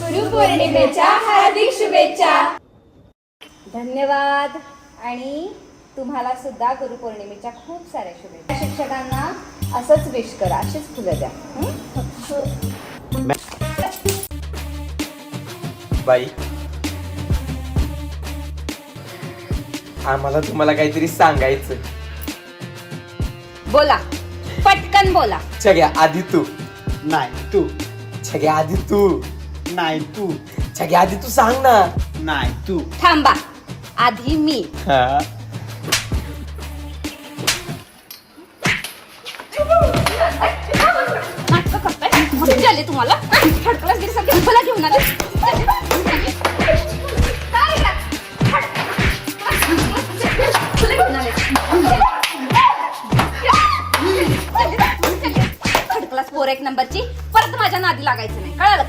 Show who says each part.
Speaker 1: गुरुपौर्णिमेच्या हार्दिक शुभेच्छा.
Speaker 2: धन्यवाद. आणि तुम्हाला सुद्धा गुरुपौर्णिमेच्या खूप साऱ्या शुभेच्छा. शिक्षकांना असंच विश करा, अशीच फुलं द्या.
Speaker 3: बाई, आम्हाला तुम्हाला काहीतरी सांगायचं.
Speaker 2: बोला, पटकन बोला.
Speaker 3: छग्या आधी तू.
Speaker 4: नाही तू.
Speaker 3: छग्या आधी तू.
Speaker 4: नाही तू.
Speaker 3: छग्या आधी तू सांग ना.
Speaker 4: नाही तू.
Speaker 2: थांबा, आधी मी.
Speaker 3: हा.
Speaker 2: नाटकं करताय? मस्ती आली तुम्हाला? थर्ड क्लास गिरीसारखी मला घेऊन आले. तुला घेऊन आले. थर्ड क्लास 4 एक नंबरची परत माझ्या नादी लागायचं नाही, कळालं